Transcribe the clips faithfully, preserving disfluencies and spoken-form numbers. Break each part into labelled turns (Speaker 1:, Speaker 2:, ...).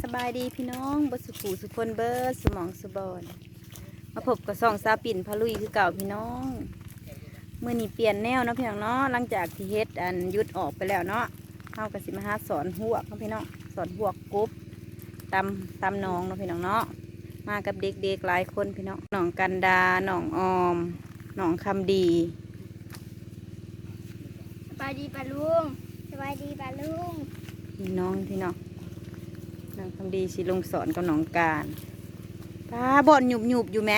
Speaker 1: บายดีพี่น้องบสุขสุคนเบิร์ดสมองสบอนมาพบกับสองซาปิ่นพะลุยคือเก่าพี่น้องเมื่อนี้เปลี่ยนแนวเนาะพี่น้องเนาะหลังจากที่เฮ็ดอันยุดออกไปแล้วเนาะเข้ากับสิมาหาสอนหัวเนาะพี่น้องสอนหัวกรุ๊บตำตำน้องเนาะพี่น้องเนาะมากับเด็กๆหลายคนพี่น้องน้องกันดาน้องออมน้องคำดี
Speaker 2: สบายดีปะลุงสบายดีปะลุง
Speaker 1: พี่น้องพี่น้องน้องคำดีสิลงสอนกับน้องการป้าบ่อนหยุบหยุบอยู่ไหม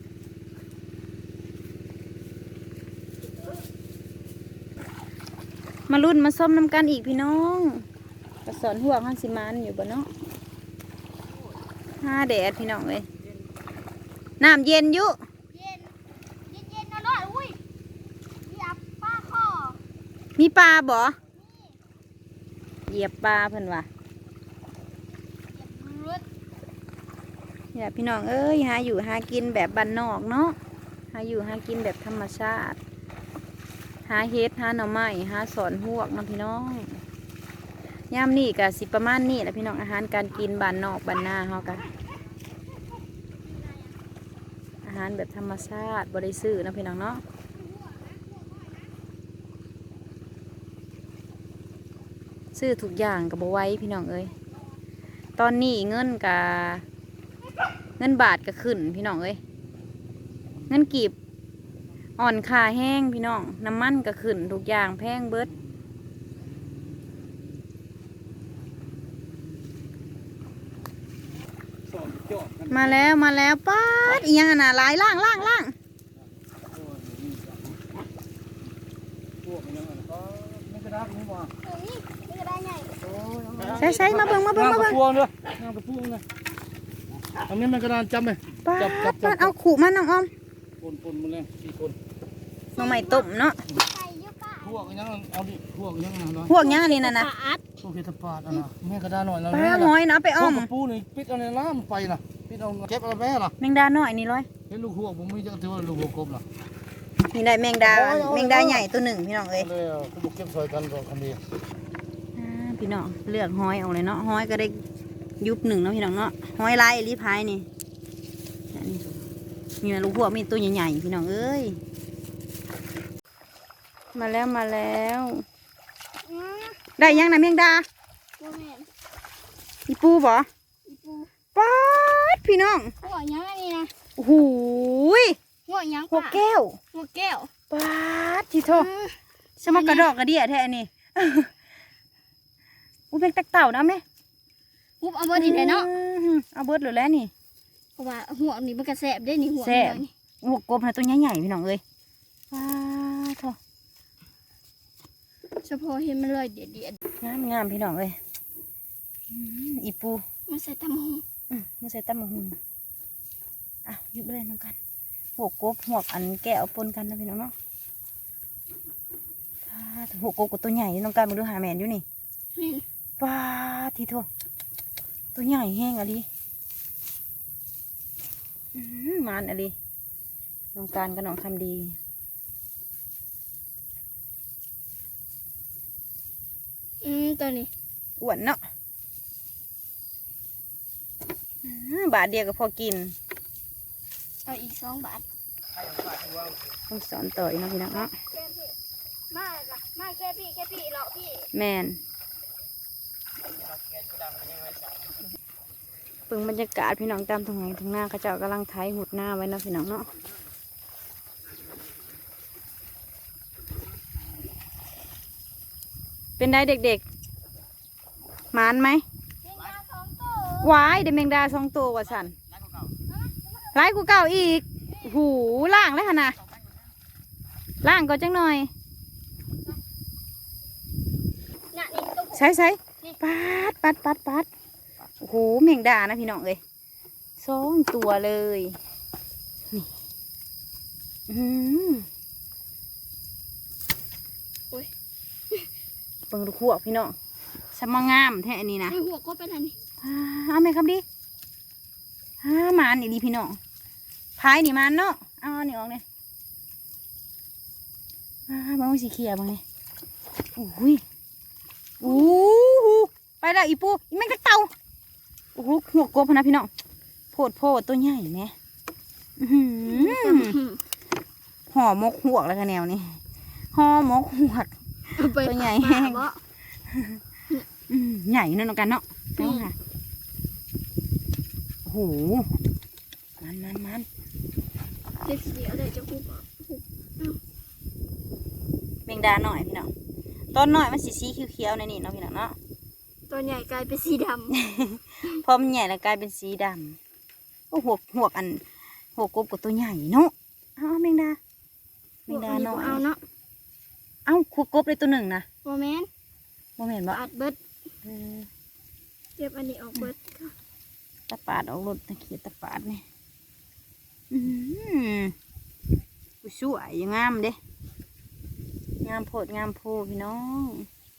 Speaker 1: มารุ่นมาส้มน้ำกันอีกพี่น้องกระสอนหัวข้างสิมันอยู่บ่เนาะห้าแดดพี่น้องเลยน้ำเย็นอยู่
Speaker 2: เย็นเย็นเย็นนะร้อยอุ้ยเหยียบปลาคอ
Speaker 1: มีปลาบ่เหยียบปลาเพิ่นว่ะเนี่ยพี่น้องเอ้ยหาอยู่หากินแบบบ้านนอกเนาะหาอยู่หากินแบบธรรมชาติหาเฮ็ดหาหน่อไม้หาสอนหวกนะพี่น้องย่ามนี่กับสิประมาณนี้แหละพี่น้องอาหารการกินบ้านนอกบ้านนาเฮากันอาหารแบบธรรมชาติบ่ได้ซื้อนะพี่น้องเนาะซื้อทุกอย่างกับบ่ไหว้พี่น้องเอ้ยตอนนี้เงินกับเงินบาทก็ขึ้นพี่น้องเอ้ยเงินกีบอ่อนค่าแห้งพี่น้องน้ำมันก็ขึ้นทุกอย่างแพงเบิดมาแล้วมาแล้วป๊าดอีหยังอ่ะนะลายล่างล่างล่างใช่ใช่มาเบิ่งมาเบิ่งมาเบิ่ง
Speaker 3: พวงด้วยน้ำกระพุ้งเลยอันนี้มันกระดานจำไหม
Speaker 1: จับจับจับเอาขู่มาน้องออม
Speaker 3: ปนปนมาเลยสี่คน
Speaker 1: น้องใหม่ต้มเนาะ
Speaker 3: พวกยังเอาดิพวกยังนะ
Speaker 1: พวกยังอันนี้นะนะ
Speaker 3: พวกเห็ดปาดอ่ะนะแม่กระดานหน่อยแล้ว
Speaker 1: ปลาหอยนะไปอ้อม
Speaker 3: กระปูนี่ปิดเอาในน้ำไปนะปิดเอาเก็บเอาแม่ล่ะ
Speaker 1: แมงดาหน่อยนี่ร้อย
Speaker 3: เห็นลูกพวกผมไม่จะถือว่าลูกพวกกบล่ะ
Speaker 1: นี่ได้แมงดาแมงดาใหญ่ตัวหนึ่งพี่น้องเอ้ย
Speaker 3: เลยเขาบุกเก็บซอยกันก็คันดี
Speaker 1: พี่น้องเลือกหอยเอาเลยเนาะหอยก็ได้ยุบหนึ่งเนาะพี่น้องเนาะหอยลายรีพายนี่มีลูกพวกมีตัวใหญ่ๆพี่น้องเอ้ยมาแล้วมาแล้วได้ยังนะเมียงดาอีปูบ่ป๊าดพี่น้อง
Speaker 2: หัวยังนี่นะ
Speaker 1: โอ้โห
Speaker 2: หัวยัง
Speaker 1: หัวแก้ว
Speaker 2: หัวแก้ว
Speaker 1: ป๊าดที่โทสมักกระดอกกระเดี่ยแท้นี่อู้เป็นตักเต่านะแม่
Speaker 2: ปุ๊บเอาเบิร์ดอีกเลยเนาะ
Speaker 1: เอาเบิร์ดหรือแล้วนี่
Speaker 2: เพราะว่าหัวนี่มันกระแสบได้นี่หัว
Speaker 1: แสบหัวกบนะตัวใหญ่ๆพี่น้องเอ้ยว้าโถ
Speaker 2: เฉพาะเห็นมันเลยเด็ดเด็ด
Speaker 1: งามงามพี่น้องเอ้ยอีปู
Speaker 2: มันใส่ตำหง
Speaker 1: มันใส่ตำหงอ่ะยุบเลยน้องกันหัวกบหัวอันแก้วปนกันนะพี่น้องเนาะหัวกบกับตัวใหญ่น้องกันมาดูหาแมนอยู่นี่ป้าทีโถตัวใหญ่แห้งอะไรมันอะไรน้องการกับน้องคำดี
Speaker 2: อืมตัวนี้
Speaker 1: อ้วนเนาะบาทเดียวก็พอกิน
Speaker 2: เอาอีกสองบาท
Speaker 1: ต้องสอนต่อยนะพี่น้องเนาะ
Speaker 2: มาละมาแค่พี่แค่พี่เลาะพี่
Speaker 1: แมนเพิ่งบรรยากาศพี่น้องตามทางไหนทางหน้าเขาเจ้ากำลังไถหุดหน้าไว้นะพี่น้องเนาะเป็นได้เด็กๆหมานไหมวายเดแมงดาสองตัวว่ะสันไล่กูเก่าอีกหูล่างเลยค่ะนะล่างก็จังหน่อยใช่ใช่ปัดปัดปัดปัดโอ้โหแมงดานะพี่น้องเลยสองตัวเลยนี่อืม
Speaker 2: โอ้ย
Speaker 1: เบิ่งดูขวบพี่น้องสมงามแท้อันนี้นะ
Speaker 2: หัวก็เป็นอันนี้
Speaker 1: เอาไหมครับดิฮ่ามันนี่ดีพี่น้องพายนี่มันเนาะเอาอันนี้ออกเลยอ่าบางสีเขียวบางนี่อุ้ยอู้หูไปแล้วอีปูอีแมงกระเต่าโอ้โหหัวกบพะนะพี่น้องโพดโพดตัวใหญ่ไหมอื้อหือห่อหมกหวกแล้วกันแนวนี้ห่อหมกหวก
Speaker 2: เอาไป
Speaker 1: ตัวใหญ่
Speaker 2: ป
Speaker 1: แห้
Speaker 2: ลาง บ่
Speaker 1: อืมใหญ่นั่นกันเนาะเอาค่ะโอ้โหมันมันมัน
Speaker 2: เด็กเดียวเลยจะคุบอ่ะ
Speaker 1: แมงดาหน่อยพี่น้องต้นหน่อยมันสีสีเขียวๆในนี่เนาะพี่น้องเนาะ
Speaker 2: ตัวใหญ่กลายเป็นสีด
Speaker 1: พอมันใหญ่แล้วกลายเป็นสีดำโอ้หัวหัวอันหัวกบกับตัวใหญ่เนาะเอาแมงดา
Speaker 2: ำ
Speaker 1: แมงดาหน่อย
Speaker 2: เอาเนาะ
Speaker 1: เอ้าหัวกบเลยตัวหนึ่งนะ
Speaker 2: โมเมนต์
Speaker 1: บ่แม่นบ่
Speaker 2: อัดเบิด
Speaker 1: เออ
Speaker 2: เก็บอันนี้ออกเบิดค่ะ
Speaker 1: ตะปาดออกรถตะเขียดตะปาดนี่อือผู้สวยงามเด้งามโพดงามโพพี่น้อง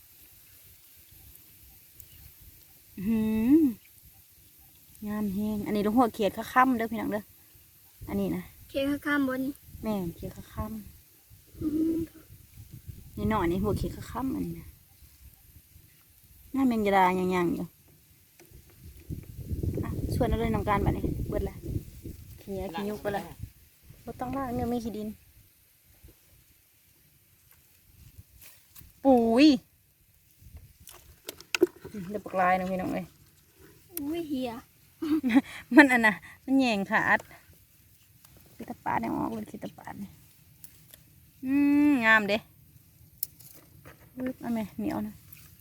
Speaker 1: อื้อหืองามแฮงอันนี้ลูกหัวเขียดข้าค่ำเด้อพี่น้องเด้ออันนี้นะ
Speaker 2: เคข้ามบน
Speaker 1: แม่เขียดข้าค่
Speaker 2: อื้อหือ
Speaker 1: ำนี่หน่อยนี่หัวเขียดข้าค่ำอันนี้นะหน้าแมงยดายังยังอยู่อ่ะชวนเอาเลยน้องการบัดนี้เบิดละขี้ยาขี้ยุกไปละบ่ต้องล่างเนื้อไม่ขี้ดินปุ๋ยเดี๋ยวปลากลายนะพี่น้องเลย
Speaker 2: อุ้ยเฮีย
Speaker 1: มันอันน่ะมันแยงขาดคิตาปาดเนี่ยออกเป็นคิตาปาดเนี่ยอืมงามเด้ปึ๊บเอาไหมเหนียวนะ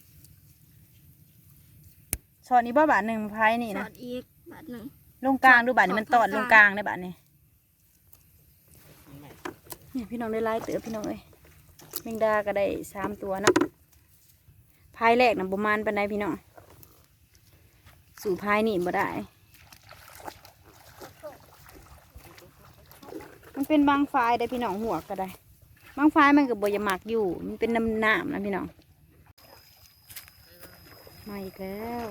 Speaker 1: ช้อนนี้บ่บาทหนึ่งพายนี่
Speaker 2: ส
Speaker 1: นะ
Speaker 2: อดอีกบาทหนึ่ง
Speaker 1: ลงกลางดูบาทนี้มัน
Speaker 2: ส
Speaker 1: ต
Speaker 2: อ
Speaker 1: อ
Speaker 2: ด
Speaker 1: ด
Speaker 2: ต
Speaker 1: ล
Speaker 2: รง ง
Speaker 1: ก
Speaker 2: ก
Speaker 1: ลา
Speaker 2: ลาง ง
Speaker 1: ได้บาทนี้เนี่ยพี่น้องได้ไล่เต๋อพี่น้องเอ้ยแมงดาก็ได้สามตัวเนาะพายแรกนะประมาณปันไดพี่น้องสู่พายนี่บ่ได้ มันเป็นบางไฟได้พี่น้องหัวก็ได้บางไฟมันก็บ่อยหมักอยู่มันเป็นน้ำน้ำนะพี่น้องมาอีกแล้ว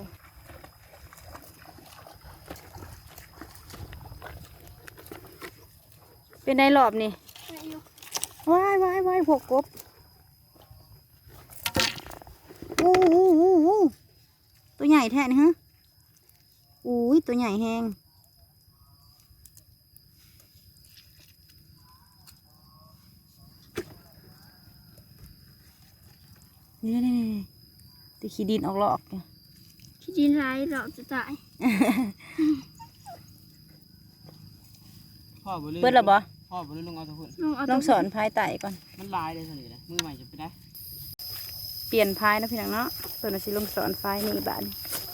Speaker 1: เป็นในรอบนี่
Speaker 2: ไม่อยู่
Speaker 1: ว้ายว้ายว้ายพวกกบอู้อู้อู้อู้ตัวใหญ่แท้นี่ฮะอุ้ยตัวใหญ่แห้งนี่นี่นี่ตีขี้ดินออกหลอกเนี่ย
Speaker 2: ที่ดินร้ายเราจะตาย
Speaker 3: พ่อบ่ลืม
Speaker 1: เปิดแล้วบ่
Speaker 3: พ่อบ่ลืมลงเอาทุกคน
Speaker 2: ลองเอา
Speaker 1: ลองสอนพายไต่ก่อน
Speaker 3: มันลายเลยสิเลยมือใหม่จะไปได้
Speaker 1: เปลี่ยนพายนะพี่น้องเนาะส่วนอาชีลงสอนพายนี่บ้าน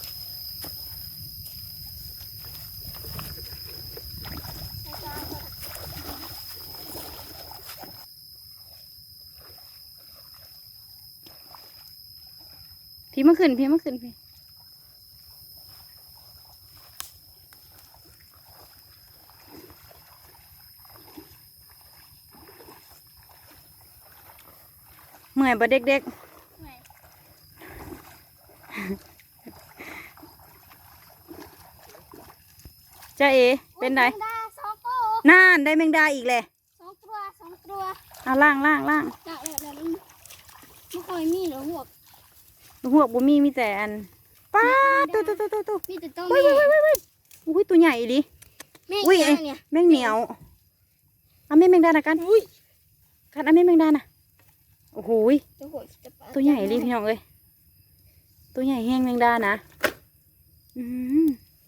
Speaker 1: พี่มาขึ้นพี่มาขึ้นพี่เมื่อยบ่เด็กๆจ้าเอเป็นไง
Speaker 2: แมงดาสองตัว
Speaker 1: น่านได้แมงดาอีกเลย
Speaker 2: สองตัวสองตัว
Speaker 1: เอาล่างล่างล่าง
Speaker 2: จากแบบแบบนี้ไม่ค่อยมีหรอกพวก
Speaker 1: ลูกหัวบุมีมีแต่อันป้าตัวตัวตัวตัวตัว
Speaker 2: มีแต่ตัว
Speaker 1: ว้าย
Speaker 2: แม่
Speaker 1: ว้ายว้ายว้ายอุ้ยตัวใหญ่ดิ
Speaker 2: แม่
Speaker 1: อุ้ย
Speaker 2: อีก
Speaker 1: เอ้ย
Speaker 2: แล้วเนี่ย
Speaker 1: แมงเหนียวเอาแม่แมงดานะกันอุ้ยกันเอาแม่แมงดานะโอ้โหย
Speaker 2: ตัวหัวจะปะ
Speaker 1: ตัวใหญ่ดิพี่น้องเอ้ยตัวใหญ่แห้งแมงดานะอืม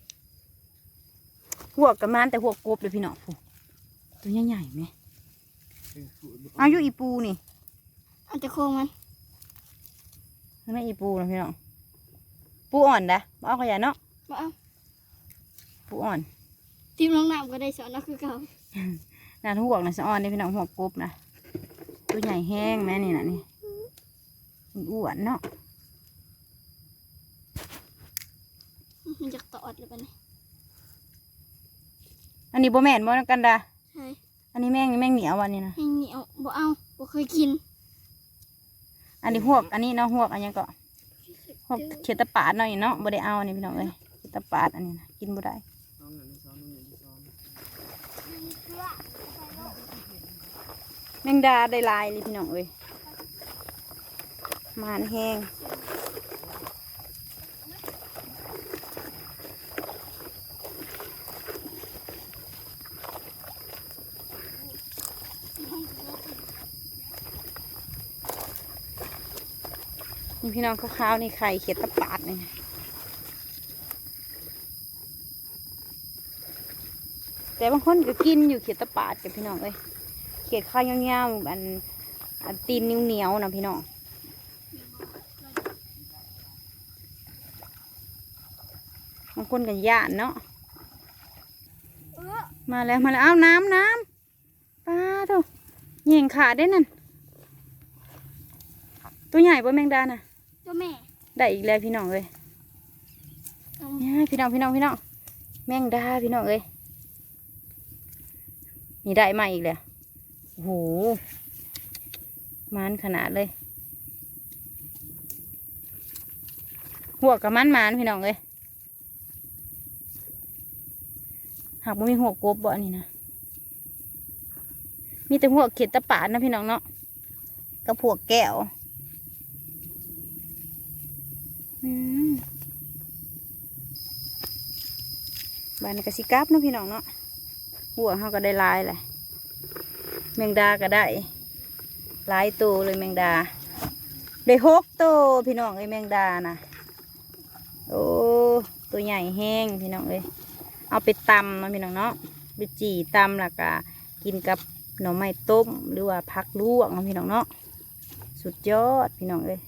Speaker 1: หัวกระมานแต่หัวกบเลยพี่น้องผู้ตัวใหญ่ใหญ่ไหมเอาอยู่อีปูนี่
Speaker 2: เอาแต่โครงมัน
Speaker 1: นั่นไม่อีปูนะพี่น้องปูอ่อนนะบ่เอาขยะเนาะ
Speaker 2: มาเอา
Speaker 1: ปูอ่อน
Speaker 2: ทีมน้องน้ำก็ได้สอนนะคือเก่า
Speaker 1: น่าทุกหัวกนะสะอ่อนนี่พี่น้องหัวกบนะตัวใหญ่แห้งแม่นี่นะนี่อ้วนเนาะ
Speaker 2: มันจะตอดหรือเปล่าเนี่ย
Speaker 1: อันนี้บ่แม่นบ่กันดา
Speaker 2: ใช่
Speaker 1: อันนี้แม่งนี่แม่งเหนียววันนี้นะ
Speaker 2: แห้งเหนียวบ่เอาบ่เคยกิน
Speaker 1: อันนี้หวกอันนี้เนาะหวกอันนี้ก็หวกเขียดตะปาดเนาะนี่เนาะบ่ได้เอาอันนี้พี่น้องเอ้ยเขียดตะปาดอันนี้นะกินบ่ได้แมงดาได้หลายเลยพี่น้องเอ้ยมานแห้งนี่พี่น้องขาวๆนี่ไข่เขียดตะปาดนี่แต่บางคนก็กินอยู่เขียดตะปาดกับพี่น้องเอ้ยเขียดข้าวยาวๆอันอันตีนเหนียวๆนะพี่น้องบางคนก็ย่านเนาะ
Speaker 2: เออ
Speaker 1: มาแล้วมาแล้วเอาน้ำน้ำปลาเถอะเหย่งขาดได้นั่นตัวใหญ่ป่ะแมงดาน่ะ
Speaker 2: ตัวแม่
Speaker 1: ได้อีกแล้วพี่น้องเลย
Speaker 2: เอา
Speaker 1: เนี่ยพี่น้องพี่น้องพี่น้องแมงดาพี่น้องเลยนี่ได้มาอีกแล้วโอ้โหมันขนาดเลยหัวกับมันมันพี่น้องเลยหากมันมีหัวกบบ่อันนี้นะมีแต่หัวเข็ดตะปาดนะพี่น้องเนาะกับหัวแก้วอืมบานกระสิกับเนาะพี่น้องเนาะหัวเขาก็ได้ลายเลยแมงดาก็ได้หลายตัวเลยแมงดาได้หกตัวพี่น้องไอ้แมงดานะโอ้ตัวใหญ่แห้งพี่น้องเลยเอาไปตำเนาะพี่น้องเนาะไปจี่ตำแล้วก็กินกับหน่อไม้ต้มหรือว่าผักลวกเนาะพี่น้องเนาะสุดยอดพี่น้องเลย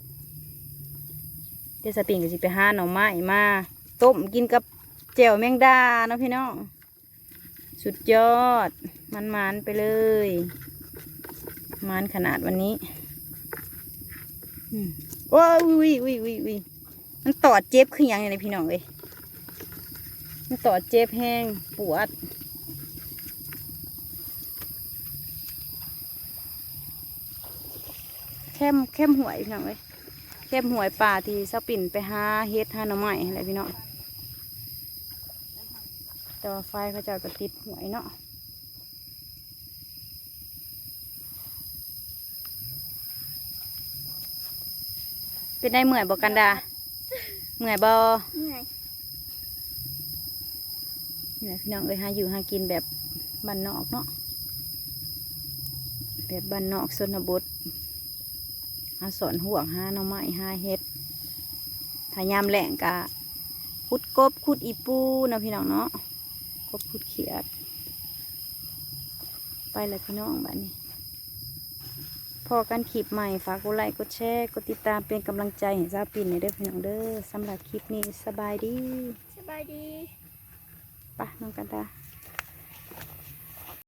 Speaker 1: เดี๋ยวสปริงก็สิไปหาหน่อไม้มาต้มกินกับแจ่วแมงดาเนาะพี่น้องสุดยอดมันมันไปเลยมันขนาดวันนี้อืมโอ้ยวิววิววิววิมันตอดเจ็บขึ้นยังไงพี่น้องเลยมันตอดเจ็บแห้งปวดเข้มเข้มหวยพี่น้องเลยเข้มหวยป่าที่สปิ่นไปหาเฮ็ดหาหน่อไม้อะไรพี่น้องแต่ว่าไฟเขาเจ้าก็ติดหวยเนาะเป็นได้เมื่อยบอกกันดาเมื่อยบอ
Speaker 2: เหนื่อย
Speaker 1: นี่แหละพี่น้องเอ้ยหาอยู่หากินแบบบ้านนอกเนาะแบบบ้านนอกชนบทหาสอนห่วงหาหน่อไม้หาเฮ็ดถ้ายามแหลงกะขุดกบขุดอีปูเนาะพี่น้องเนาะกบขุดเขียดไปเลยพี่น้องบ้านนี้พอกันคลิปใหม่ฝากกดไลค์กดแชร์กดติดตามเป็นกำลังใจให้ซาปินในเด้อพี่น้องเด้อสำหรับคลิปนี้สบายดี
Speaker 2: สบายดี
Speaker 1: ไปน้องกันตา